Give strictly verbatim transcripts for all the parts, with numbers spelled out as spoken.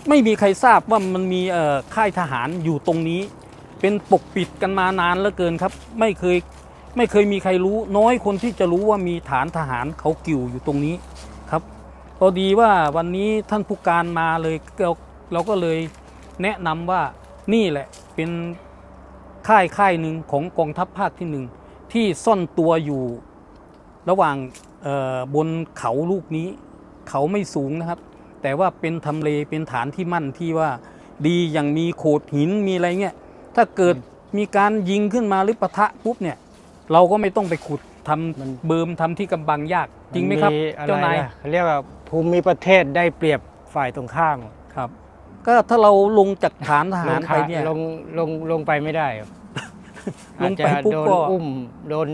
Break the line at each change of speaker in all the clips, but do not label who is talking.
ไม่มีใครทราบว่ามันมีค่ายทหารอยู่ตรงนี้เป็นปกปิดกันมานานเหลือเกินครับไม่เคยไม่เคยมีใครรู้น้อยคนที่จะรู้ว่ามีฐานทหารเขากิ่วอยู่ตรงนี้ครับพอดีว่าวันนี้ท่านผู้การมาเลยเราเราก็เลยแนะนำว่านี่แหละเป็นค่ายค่ายหนึ่งของกองทัพภาคที่หนึ่งที่ซ่อนตัวอยู่ระหว่างบนเขาลูกนี้เขาไม่สูงนะครับแต่ว่าเป็นทำเลเป็นฐานที่มั่นที่ว่าดีอย่างมีโขดหินมีอะไรเงี้ยถ้าเกิดมีการยิงขึ้นมาหรือปะทะปุ๊บเนี่ยเราก็ไม่ต้องไปขุดทำเบิมทำที่กำบังยากจริงไหมครับเจ้านาย
เขาเรียกว่าภูมิประเทศได้เปรียบฝ่ายตรงข้าม
ครับก็ถ้าเราลงจากฐานทหารไปเนี่ย
ลงลงลงไปไม่ได้
ลงไปปุ๊บก็
อุ้มโดน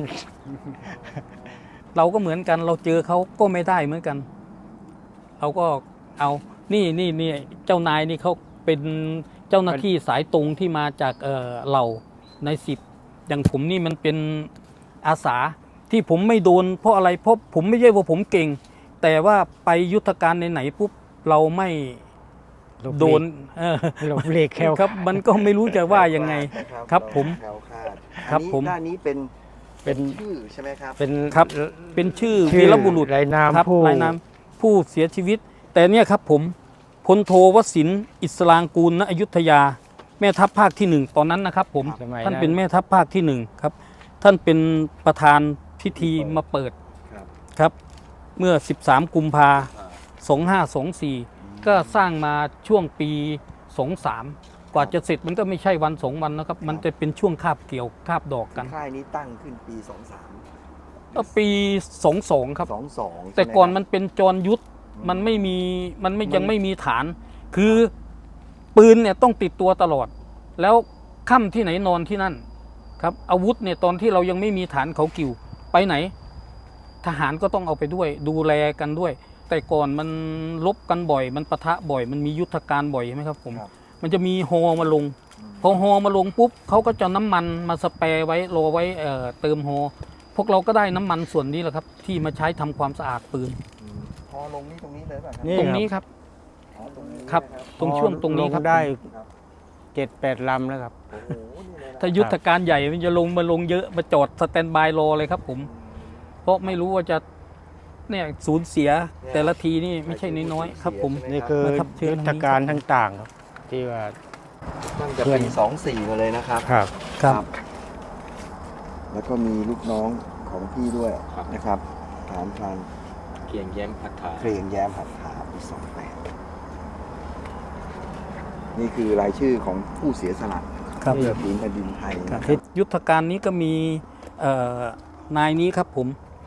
เราก็เหมือนกันเราเจอเขาก็ไม่ได้เหมือนกันเราก็เอานี่นี่นี่เจ้านายนี่เขาเป็นเจ้าหน้าที่สายตรงที่มาจากเอ่อเหล่าในสิบอย่างผมนี่มันเป็นอาสาที่ผมไม่โดนเพราะอะไรเพราะผมไม่ใช่ว่าผมเก่งแต่ว่าไปยุทธการไหนๆปุ๊บเราไม่โดน
หลบเลีกแคล
ครับมันก็ไม่รู้จะว่ายังไงครับผม
ครับผมด้านนี้เป็นเป็นชื่อใช่ไหมครับ
เป็นครับเป็นชื่อวีรบุรุษ
รายนาม
ผู้รายนามผู้เสียชีวิตแต่เนี่ยครับผมพลโทวสินทร์อิสลางกูลณอยุธยาแม่ทัพภาคที่หนึ่งตอนนั้นนะครับผมท่านเป็นแม่ทัพภาคที่หนึ่งครับท่านเป็นประธานพิธีมาเปิดครับเมื่อสิบสามกุมภาพันธ์สองห้าสองสี่ก็สร้างมาช่วงปีสองสามกว่าจะเสร็จมันก็ไม่ใช่วันสองวันนะครับมันจะเป็นช่วงคาบเกี่ยวคาบดอกกัน
ค่ายนี้ตั้งขึ้นปีสองสาม
ปีสองสองครับ
สองสอง
แต่ก่อนมันเป็นจรยุทธมันไม่มีมันไม่ยังไม่มีฐานคือปืนเนี่ยต้องติดตัวตลอดแล้วค่ำที่ไหนนอนที่นั่นครับอาวุธเนี่ยตอนที่เรายังไม่มีฐานเขากิ่วไปไหนทหารก็ต้องเอาไปด้วยดูแลกันด้วยแต่ก่อนมันลบกันบ่อยมันปะทะบ่อยมันมียุทธการบ่อยใช่ไหมครับผมมันจะมีฮอมาลงพอฮอมาลงปุ๊บเขาก็จะน้ำมันมาสเปรย์ไว้รอไว้เอ่อเติมฮอพวกเราก็ได้น้ำมันส่วนนี้แหละครับที่มาใช้ทำความสะอาดปืน
ฮอลงนี่ตรงนี้เลยป่ะครับ
ตรงนี้ครับครับตรงช่วงตรงนี้ครับ
ได้เจ็ดแปดลำแล้วครับ
ถ้ายุทธการใหญ่มันจะลงมาลงเยอะมาจอดสแตนบายรอเลยครับผมเพราะไม่รู้ว่าจะเนี่ยสูญเสียแต่ละทีนี่ไม่ใช่น้อยๆครับผม
นี่คือยุทธการต่างๆครับที่ว่า
ตั้งแต่ปีสองสี่มาเลยนะครับ
ครับ
ครับ
แล้วก็มีลูกน้องของพี่ด้วยนะครับฐานพราน
เกียงแย้มหัตถา
เกรียงแย้มหัตถาปีสองแปดนี่คือรายชื่อของผู้เสียสละเพื่อผืนแผ่นดินไทย
ยุทธการนี้ก็มีนายนี้ครับผม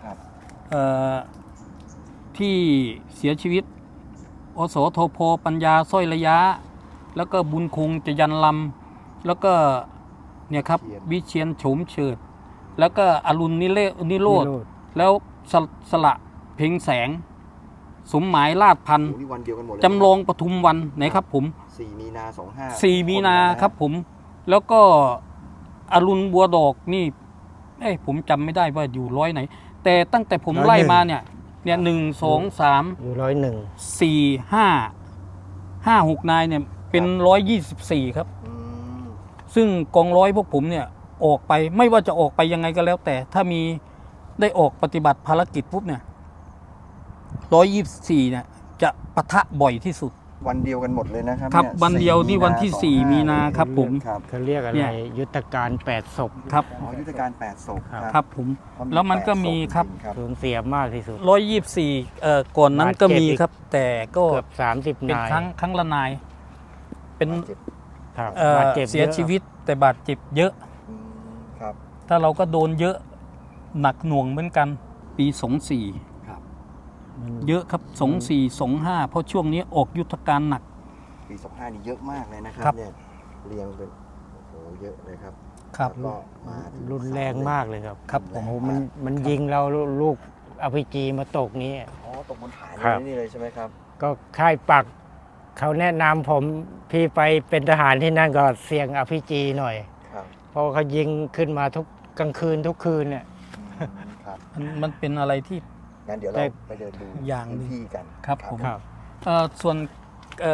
ที่เสียชีวิตอสทพปัญญาสร้อยระยะแล้วก็บุญคงจะยันลำแล้วก็เนี่ยครับวิเชียนโฉมเฉิดแล้วก็อรุณนิเลนิโรธแล้วสสละเพ็งแสงสมหมายลาดพันธ์จำลองปทุมวันไหนครับผม
สี่มีนาสองห้า
สี่มีนาครับผมแล้วก็อรุณบัวดอกนี่เอ้ผมจำไม่ได้ว่าอยู่ร้อยไหนแต่ตั้งแต่ผมไล่มาเนี่ยเนี่ยหนึ่งสองสาม
อยู่ร้อยหนึ่ง
สี่ห้าห้าหกนายเนี่ยเป็นร้อยยี่สิบสี่ครับซึ่งกองร้อยพวกผมเนี่ยออกไปไม่ว่าจะออกไปยังไงก็แล้วแต่ถ้ามีได้ออกปฏิบัติภารกิจปุ๊บเนี่ยร้อยยี่สิบสี่เนี่ยจะปะทะบ่อยที่สุด
วันเดียวกันหมดเลยนะครับ
ครับวันเดียวที่วันที่สี่มีนาครับผม
เขาเรียกอะไรยุทธการแปดศพ
ครับ
อ๋อยุทธการแปดศพ
ครับผมแล้วมันก็มีครับ
สูญเสียมากที่สุด
ร้อยยี่สิบสี่เอ่อก่อนนั้นก็มีครับแต่ก็
เกือบสามสิบ
เป็นครั้งครั้งละนายเป็น
บาดเจ็บ
เสียชีวิตแต่บาดเจ็บเยอะ
ครับ
ถ้าเราก็โดนเยอะหนักหน่วงเหมือนกันปีสองสี่เยอะครับสองสี่สองห้าเพราะช่วงนี้ออกยุทธการหนัก
ปีสองห้านี่เยอะมากเลยนะครับเนี่ยเรียงเป็นโอ้โหเยอะเลยครับ
ครับ
ก็มา
รุนแรงมากเลยครับ
ครับ
โอ้โหมันมันยิงเราลูกอ พี จี มาตกนี้
อ๋อตกบนฐานนี่เลยใช่ไหมครับ
ก็ค่ายปักเขาแนะนำผมพี่ไปเป็นทหารที่นั่นก็เสี่ยง อาร์ พี จี หน่อยเพราะเขายิงขึ้นมาทุกกลางคืนทุกคืนเนี่ย
มันเป็นอะไรที่
งั้นเดี๋ยวเราไปเดินดู
อย่าง
ที่กัน
ครับผม
ครับ
ส่วน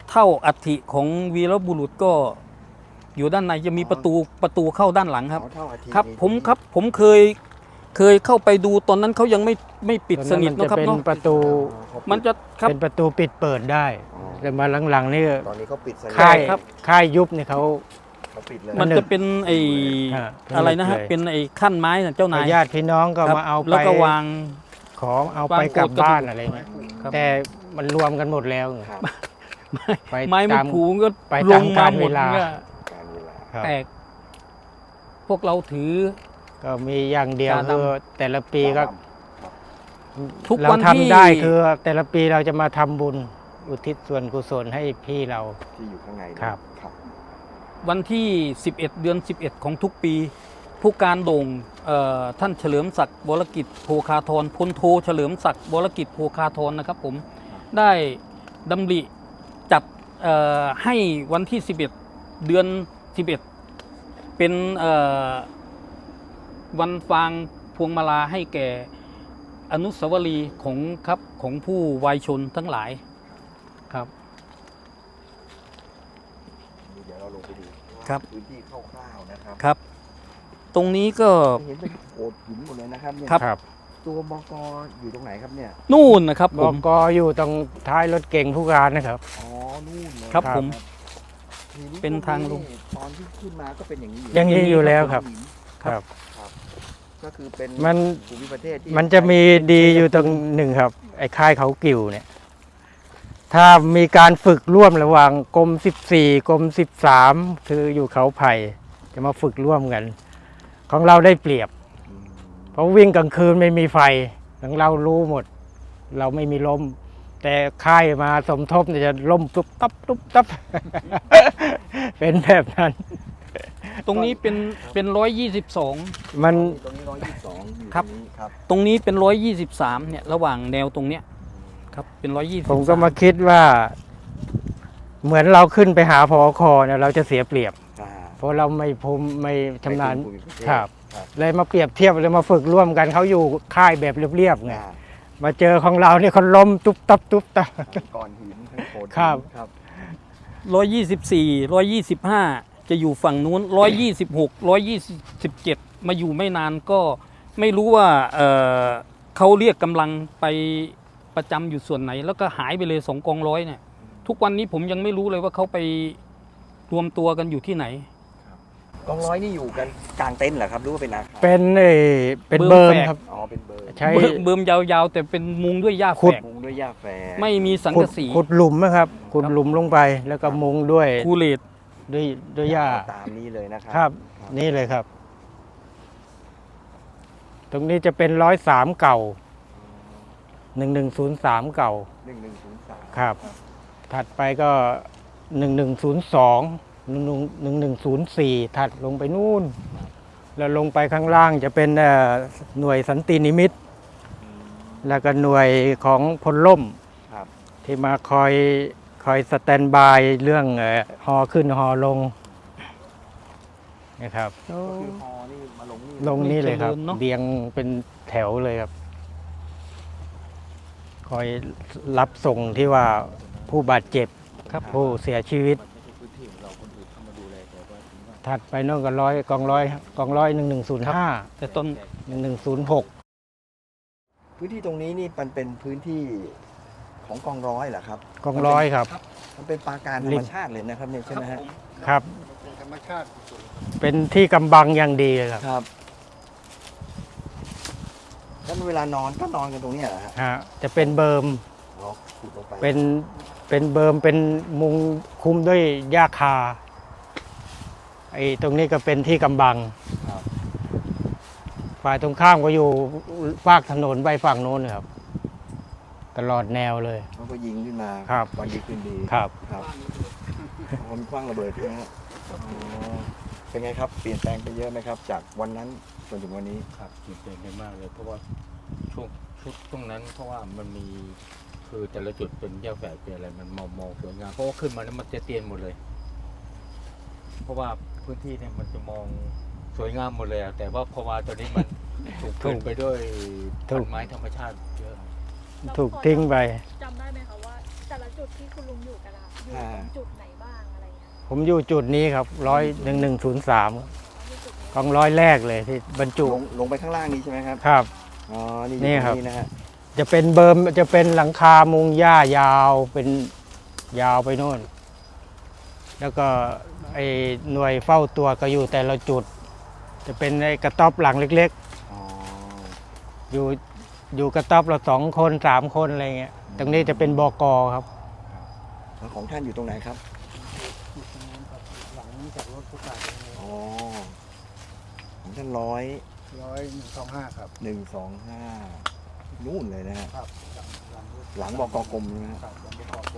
เท่าอัฐิของวีรบุรุษก็อยู่ด้านในจะมีประตูประตูเข้าด้านหลังครับ
อ๋อเท่าอาทิตย์
ครับ
นี้
ผมครับผมเคยเคยเข้าไปดูตอนนั้นเขายังไม่ไม่ปิดสนิท
ตอ
นะครับ
มัจะเป็น
เนาะ
ประตู
อ๋อเขาปิด
มันจะครับ
เป็นประตูปิดเปิดได้
อ๋อ
แต่มาหลังๆนี่
ตอนนี้เขาปิดสนิท
ค่าย
ครับ
ค่ายยุบเนี่ยเขา
เขาปิดเลย
มันจะเป็นไอ
อ่า
อะไรนะฮะ
เลย
เป็นไอขั้นไม้นะเจ้านาย
ญาติพี่น้องก็
ครับ
มาเอาไป
แล้วก็วาง
ของเอาไป
วาง
กลับ
โกรธกระดูก
บ้านอะไรเงี้ย
ครับ
แต่มันรวมกันหมดแล้ว
ครับ
ไป
ไม้ไม่
ตาม
ผูก็
ไป
ล
ตาม
ง
กา
มา
ล
หม
เว
ด
ลา
เนี่ย
การเวลา
ครับ
แตกพวกเราถือ
ก็มีอย่างเดียว
จานดำ
คือแต่ละปีก็
ทุก
เรา
วันที่
ทำได้คือแต่ละปีเราจะมาทำบุญอุทิศส่วนกุศลให้พี่เรา
ที่อยู่ข้างใน
ครับ
ครับ
วันที่ สิบเอ็ด เดือน สิบเอ็ด ของทุกปี ผู้การโด่งเอ่อท่านเฉลิมศักดิ์วรกิจโภคาธรพลโทเฉลิมศักดิ์วรกิจโภคาธรนะครับผมได้ดำริจัดเอ่อให้วันที่ สิบเอ็ด เดือน สิบเอ็ด เป็นเอ่อวันฟางพวงมาลาให้แก่อนุสาวรีย์ของครับของผู้วายชนทั้งหลายครับ
เดี๋ยวเราลงไปดู
ครับ
พื้นที่คร่าวๆนะครับ
ครับ ตรงนี้ก็
เห็นเป็นโขดหินหมดเลยนะครับเนี่ย
ครับ
ครับ
ตัวบกอยู่ตรงไหนครับเนี่ย
นู่นนะครับ
บ
ผม
กอยู่ตรงท้ายรถเก่งผู้การนะครับ
อ๋อนู่นเลย
ครับผม
ที
เป็นทางลง
ตอนที่ขึ้นมาก็เป็นอย่างนี้อยู่
อย่างนี้อยู่แล้วครับ
หิน
ครับ
ก็คือเป็น
มัน
ภูมิประเทศที่
มันจะมีดีอยู่ตรงหนึ่งครับ ไอ้ค่ายเขากิ่วเนี่ย ถ้ามีการฝึกร่วมระหว่างกรมสิบสี่กรมสิบสามคืออยู่เขาไผ่จะมาฝึกร่วมกัน ของเราได้เปรียบ
อืม
เพราะวิ่งกลางคืนไม่มีไฟของเรารู้หมด เราไม่มีลม แต่ค่ายมาสมทบเนี่ยจะล่มตุ๊บตับตุ๊บตับ เป็นแบบนั้น
ตรงนี้เป็นเป็นร้อยยี่สิบสอง
มัน
ตรงนี้ร้อยยี่สิบสองอยู่
ครับ
ตรงนี้ครับ
ตรงนี้เป็นร้อยยี่สิบสามเนี่ยระหว่างแนวตรงเนี้ยครับเป็นร้อยยี่สิบ
ผมก็มาคิดว่า เหมือนเราขึ้นไปหาพอคอเนี่ยเราจะเสียเปรียบ
อ่า
เพราะเราไม่ภูมิไม่ชำนาญ
ในภูมิประเทศ
ครับ
ครับ
เลยมาเปรียบเทียบเลยมาฝึกร่วมกันเขาอยู่ค่ายแบบเรียบๆไง
อ่า
มาเจอของเราเนี่ยเขาล้มตุ๊บตับตุ๊บตับ
ก้อนหินทั้งโขดหิน
ครับ
ครับ
ร้อยยี่สิบสี่ร้อยยี่สิบห้าจะอยู่ฝั่งนู้นร้อยยี่สิบหกร้อยยี่สิบเจ็ดมาอยู่ไม่นานก็ไม่รู้ว่าเอ่อเขาเรียกกำลังไปประจำอยู่ส่วนไหน แล้วก็หายไปเลยสองกองร้อยเนี่ยทุกวันนี้ผมยังไม่รู้เลยว่าเขาไปรวมตัวกันอยู่ที่ไหน
กองร้อยนี่อยู่กันกลางเต็นท์เหรอครับหรือว่าเป็นอาคาร
เป็นเอ่อเป็น
เบิ
เบิ
ร์
ร์
ม
ม
แฝก
ครับ
อ๋อเป็นเบอร์
ใช้
เบิ่มเบิ่มยาวๆ แต่เป็นมุงด้วยหญ้า
ขุ
แฝ
ด
ก
มุงด้วยหญ้าแฝก
ไม่มีสัง
ขุ
กะ
ด
สี
ขุดหลุมนะครับขุดหลุมลงไป แล้วก็มุงด้วย
คูเลต
ด้วยด้วยหญ้า
ตามนี้เลยนะครั
ครับ นี่เลยครับ ตรงนี้จะเป็นร้อยสามเก่าหนึ่งหนึ่งศูนย์สามเก่า
หนึ่งหนึ่งศูนย์สาม
ครับ ถัดไปก็หนึ่งหนึ่งศูนย์สองหนึ่งหนึ่งหนึ่งหนึ่งศูนย์สี่ถัดลงไปนู่น แล้วลงไปข้างล่างจะเป็นเอ่อหน่วยสันตินิมิตร แล้วก็หน่วยของพลล่ม
ครับ
ที่มาคอยคอยสแตนบายเรื่องเอ่อฮอขึ้นฮอลงนะครับ
ก็คือฮอนี่มาลงนี่
ลงนี่เลยครับ
เจริญเนอะ
เรียงเป็นแถวเลยครับ คอยรับส่งที่ว่าผู้บาดเจ็บ
ครับ
ผู้เสียชีวิต
มันไม่ใช่พื้นที่ของเราคนอื่นเข้ามาดูแลแต่ว่าถึงว่า
ถัดไปโน่นก็ร้อยกองร้อยกองร้อยหนึ่งหนึ่งศูนย์ห้า
แต่ต้น
หนึ่งหนึ่งศูนย์หก
พื้นที่ตรงนี้นี่มันเป็นพื้นที่ของกองร้อยเหรอครับ
กองร้อยครับ
มันเป็นปราการธร
ริ
รม
ม
ชาติเลยนะครับเนี่ยใช่ไหมฮะ
ครับ เป็นที่กำบังอย่างดีเลยครับ
ครับแล้วเวลานอนก็นอนกันตรงเนี้ยเหรอฮะ
ฮะจะเป็นเบิร์ม
อ๋อขุดลงไป
เป็นเป็นเบิร์มเป็นมุงคุมด้วยหญ้าคาไอ้ตรงนี้ก็เป็นที่กำบัง
ครับ
ฝ่ายตรงข้ามก็อยู่ฝากถนนไปฝั่งโน้นครับ ตลอดแนวเลย
มันก็ยิงขึ้นมา
ครับ
วันดีคืนดี
ครับ
ครับมันคว้างระเบิดใช่ไหมฮะอ๋อเป็นไงครับ เปลี่ยนแปลงไปเยอะไหมครับ จากวันนั้นจนถึงวันนี้
ครับเปลี่ยนแปลงไปมากเลย เพราะว่าช่วงชุดช่วงนั้นเพราะว่ามันมีคือแต่ละจุดเป็นแยกแฝกเป็นอะไรมันมองมองสวยงามเพราะว่าขึ้นมาแล้วมันจะเตียนหมดเลย เพราะว่าพื้นที่เนี่ยมันจะมองสวยงามหมดเลยอะแต่ว่าพอมาตอนนี้มันถูกกลืนไปด้วย
ถู
ต้
ก
นไม้ธรรมชาติเยอะ
ถูกทิ้งไป
จำได้ไหมคะว่าแต่ละจุดที่คุณลุงอยู่กันละอยู่ตรงจุดไหนบ้างอะไรเงี้ย
ผมอยู่จุดนี้ครับร้อยหนึ่งหนึ่งศูนย์สาม
อยู่จุดนี้
กองร้อยแรกเลยที่บรรจุ
ลงลงไปข้างล่างนี้ใช่ไหมครับ
ครับ
อ๋อ นี่
นี่
อยู่ต
ครั
ร
บ
งนี้นะฮะ
จะเป็นเบิร์มจะเป็นหลังคามุงหญ้ายาวเป็นยาวไปโน่น แล้วก็ไอ้หน่วยเฝ้าตัวก็อยู่แต่ละจุด จะเป็นไอ้กระต๊อบหลังเล็ก
อ๋อ
ๆ อยู่อยู่กระต๊อบละสองคนสามคนอะไรเงี้ยตรงนี้จะเป็นบกครับ
แล้วของท่านอยู่ตรงไหนครับ
หลังจากรถผู้การ
อ๋อ ของท่านร้อย
ร้อยสองห้าครับ
หนึ่งสองห้านู่นเลยนะฮะ
ครับ
หลังบกกรมนะฮะ
ครับหลังบกผม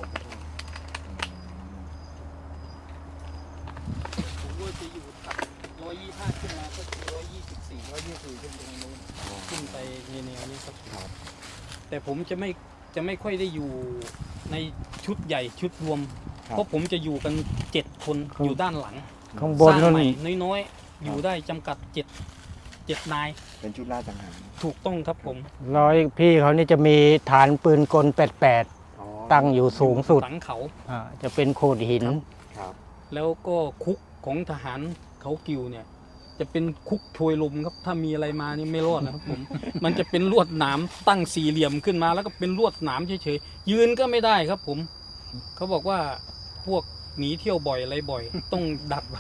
ผมว่าจะอยู่ตัดร้อยยี่ห้าขึ้นมาก็ร้อยยี่สิบสี่ร้อยยี่สิบขึ้นไปทางโน้นขึ้นไปในแนวนี้ครับแต่ผมจะไม่จะไม่ค่อยได้อยู่ในชุดใหญ่ชุดรวม เพราะผมจะอยู่กันเจ็ดคนอยู่ด้านหลัง
ข้างบ
ส
น
ร้าง
นั่น
ใหม่น้อยๆ อยู่ได้จำกัดเจ็ดเจ็ดนาย
เป็นชุดลาดจังหัน
ถูกต้องครับผม
ร้อยพี่เขานี่จะมีฐานปืนกลแปดแปด
อ๋อ
ตั้งอยู่สูงสุด
หลังเขา
อ่าจะเป็นโขดหิน
ครับ
แล้วก็คุกของทหารเขากิวเนี่ย จะเป็นคุกโชยลมครับ ถ้ามีอะไรมานี่ไม่รอดนะครับผม มันจะเป็นลวดหนามตั้งสี่เหลี่ยมขึ้นมา แล้วก็เป็นลวดหนามเฉยๆยืนก็ไม่ได้ครับผม เขาบอกว่าพวกหนีเที่ยวบ่อยอะไรบ่อย ต้องดัดไว้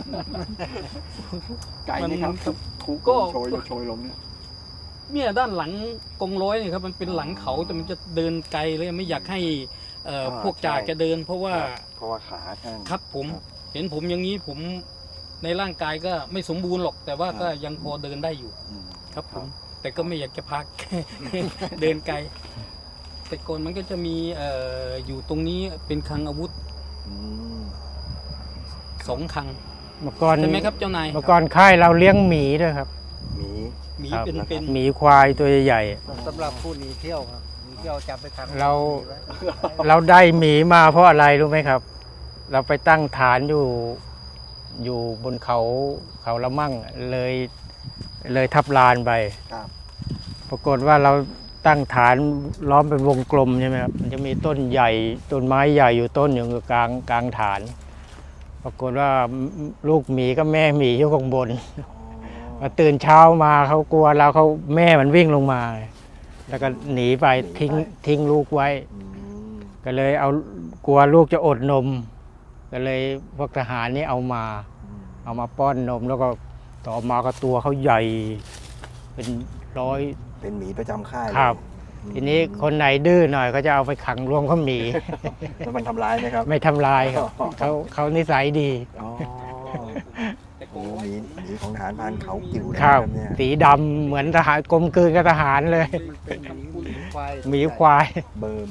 ไกลไหมครับ
มันครับ
คุก
ก็
โชยโชยลมเนี่ย
เนี่ยด้านหลังกองร้อยเนี่ยครับมันเป็นหลังเขาแต่มันจะเดินไกลเลยไม่อยากให้เอ่อพวกจ่าแกเดิน เพราะว่า
เพราะว่าขาข้าง
ครับผม
ครับ
เห็นผมอย่างนี้ผมในร่างกายก็ไม่สมบูรณ์หรอก แต่ว่า
ครับ
ก็ยังพอเดินได้อยู่
อืม
ครับผม
ครับ
แต่ก็ไม่อยากจะพัก เดินไกล แต่ก่อนมันก็จะมีเอ่ออยู่ตรงนี้เป็นคลังอาวุธ
อืม
สองคลัง
เมื่อก่อน
ใช่ไหมครับเจ้านาย
เมื่อก่อนค่ายเราเลี้ยงหมีด้วยครับ
หมี
หมี
ครับ
เป็นเป็น
หมีควายตัวใหญ่
สำหรับผู้หนีเที่ยวครับหนีเที่ยวจับไปขัง
เรา
ไว้
ๆ เราได้หมีมาเพราะอะไรรู้ไหมครับ เราไปตั้งฐานอยู่อยู่บนเขาเขาละมั่งเลยเลยทับลานไป
ครับ
ปรากฏว่าเราตั้งฐานล้อมเป็นวงกลมใช่ไหมครับมันจะมีต้นใหญ่ต้นไม้ใหญ่อยู่ต้นอยู่กลางกลางฐาน ปรากฏว่าลูกหมีกับแม่หมีอยู่ข้างบน พอตื่นเช้ามาเขากลัวเราเขาแม่มันวิ่งลงมา แล้วก็หนีไปทิ้งทิ้งลูกไว้
อืม
ก็เลยเอากลัวลูกจะอดนม ก็เลยพวกทหารนี่เอามา
อืม
เอามาป้อนนม แล้วก็ต่อมาก็ตัวเขาใหญ่ เป็นร้อย
เป็นหมีประจำค่ายเลย
ครับ
อืม
ทีนี้คนไหนดื้อหน่อยก็จะเอาไปขังรวมเขาหมี
แล้วมันทำร้ายไหมครับ
ไม่ทำลายครับเขาเขานิสัยดี
อ๋อ
แต่ก
โอ้
องร้อย
หมีหมีของทหารพรานเขากิ่วนะ
ค
ค
รั
รั
บบ
เนี่ย
สีดำเหมือนทหารกลมกลืนกับทหารเลย
เป็นหมีหมีควาย
หมีควาย
เบิร์ม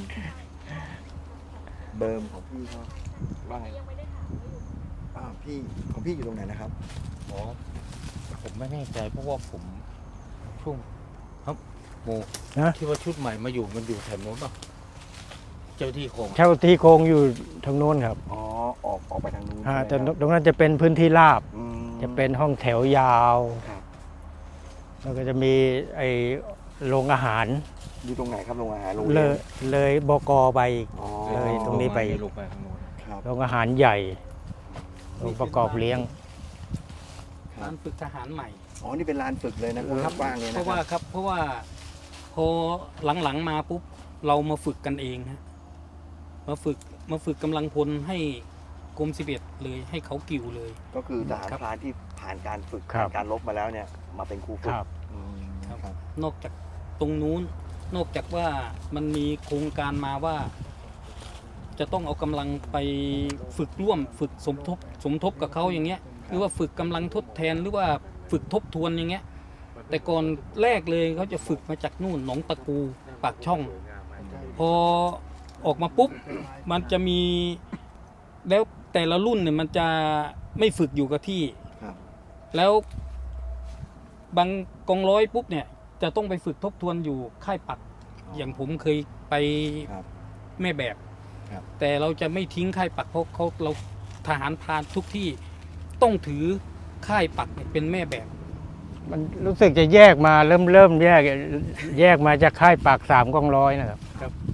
เบิร์มของพี่เขาว่าไง
ยังไม่ได้ถามว่าอยู่
อ่าพี่ของพี่อยู่ตรงไหนนะครับ
อ๋อผมไม่แน่ใจเพราะว่าผมช่วงครับโม
ฮะ
ที่ว่าชุดใหม่มาอยู่มันอยู่แถวโน้นป่ะเจ้าที่โคง
เช่าที่โครงอยู่ทางโน้นครับ
อ๋อ ออกออกไปทางนู้น
อ่า
ใช่
แต่
ไหมครับ
ตรงนั้นจะเป็นพื้นที่ราบ
อืม
จะเป็นห้องแถวยาว
ครับ
แล้วก็จะมีไอโรงอาหาร
อยู่ตรงไหนครับโรงอาหารโรง
เล
เรีย
ย
น
เลยบกไปอีก
อ๋อ
เลยตรงนี้ไป
ลงไปข้างโน้น
ครับ
โรงอาหารใหญ่โรงประกอบเลี้ยง
ร้านฝึกทหารใหม่
อ๋อ นี่เป็นลานฝึกเลยนะครับกว้างเลย
เพ
นะ
ราะ
ค
ว่า
รับ
ครับเพราะว่าพอหลังๆมาปุ๊บเรามาฝึกกันเองฮะมาฝึกมาฝึกกำลังพลให้กรมสิบเอ็ดเลยให้เขากิ่วเลย
ก็คือทหาร
ครับ
พรานที่ผ่านการฝึก
ครับ
ผ่านการรบมาแล้วเนี่ย มาเป็นครูฝึก
ครับ
อืม
ครับ
ครับ
นอกจากตรงนู้น นอกจากว่ามันมีโครงการมาว่า จะต้องเอากำลังไปฝึกร่วม ฝึกสมทบสมทบกับเขาอย่างเงี้ยหรือว่าฝึกกำลังทดแทนหรือว่าฝึกทบทวนอย่างเงี้ย แต่ก่อนแรกเลยเขาจะฝึกมาจากนู่นหนองตะกูปากช่อง พอออกมาปุ๊บ มันจะมีแล้วแต่ละรุ่นเนี่ยมันจะไม่ฝึกอยู่กับที่
ครับ
แล้วบางกองร้อยปุ๊บเนี่ย จะต้องไปฝึกทบทวนอยู่ค่ายปัก อย่างผมเคยไป
ครับ
แม่แบบ
ครับ
แต่เราจะไม่ทิ้งค่ายปักเพราะเขาเราทหารพรานทุกที่ต้องถือค่ายปักเนี่ยเป็นแม่แบบ
มันรู้สึกจะแยกมาเริ่มเริ่มแยกแยกมาจากค่ายปากสามกองร้อยนะครับ
แ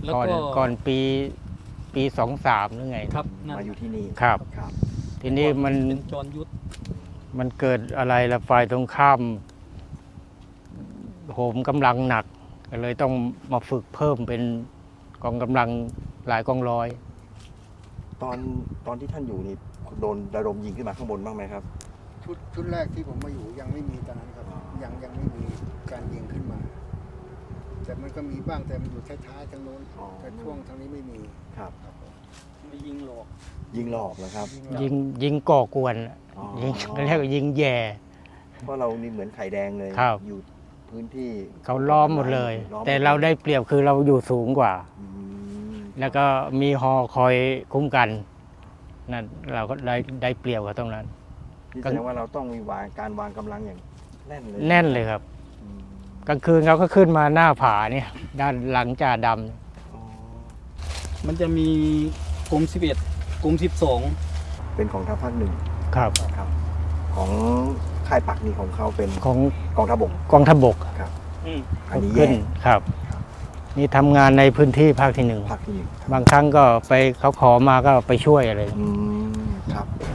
แล้ว
ก่อน
ก็
ก่อนปีปีสองสามหรือไง
ครับนั่น
มาอยู่ที่นี่
ครับ
ครับ
ทีนี้มัน
เป็นจรยุทธ
มันเกิดอะไรละฝ่ายตรงข้ามโหมกำลังหนักก็เลยต้องมาฝึกเพิ่มเป็นกองกำลังหลายกองร้อย
ตอนตอนที่ท่านอยู่นี่โดนระดมยิงขึ้นมาข้างบนบ้างไหมครับ
ชุดชุดแรกที่ผมมาอยู่ยังไม่มีตอนนั้นครับ ยังยังไม่มีการยิงขึ้นมา แต่มันก็มีบ้างแต่มันอยู่ท้ายๆทางโน้น
อ๋อ
แต่ช่วงทางนี้ไม่มี
ครับ
ครับผม
ไม่ยิงหลอก
ยิงหลอกนะครับ
ยิงยิงก่อกวน
อ๋อ
ยิงเรียกว่ายิงแย่
เพราะเรานี่เหมือนไข่แดงเลย
ครับ
อยู่พื้นที่
เขาล้อมหมดเลย
ล้อมหมด
แต่เราได้เปรียบคือเราอยู่สูงกว่า
อืม
แล้วก็มีฮอคอยคุ้มกันนั่นเราก็ได้ได้เปรียบกับตรงนั้น
นี่แสดงว่าเราต้องมีวางการวางกำลังอย่างแน่นเลย
แน่นเลยครับ
อืม
กลางคืนเขาก็ขึ้นมาหน้าผาเนี่ย ด้านหลังจ่าด
อ๋อ
มันจะมีกรมสิบเอ็ดกรมสิบสอง
เป็นของทัพภาคหนึ่ง
ำครับ
ครับ ของค่ายปักนี่ของเขาเป็น
ของ
กองทัพบก
กองทัพบก
ครับอันนี้
ขึ้
แย่
นครับ นี่ทำงานในพื้นที่ภาคที่หนึ่ง
ภาคที่หนึ่งครับ
บางครั้งก็ไปเขาขอมาก็ไปช่วยอะไร
อืมครับ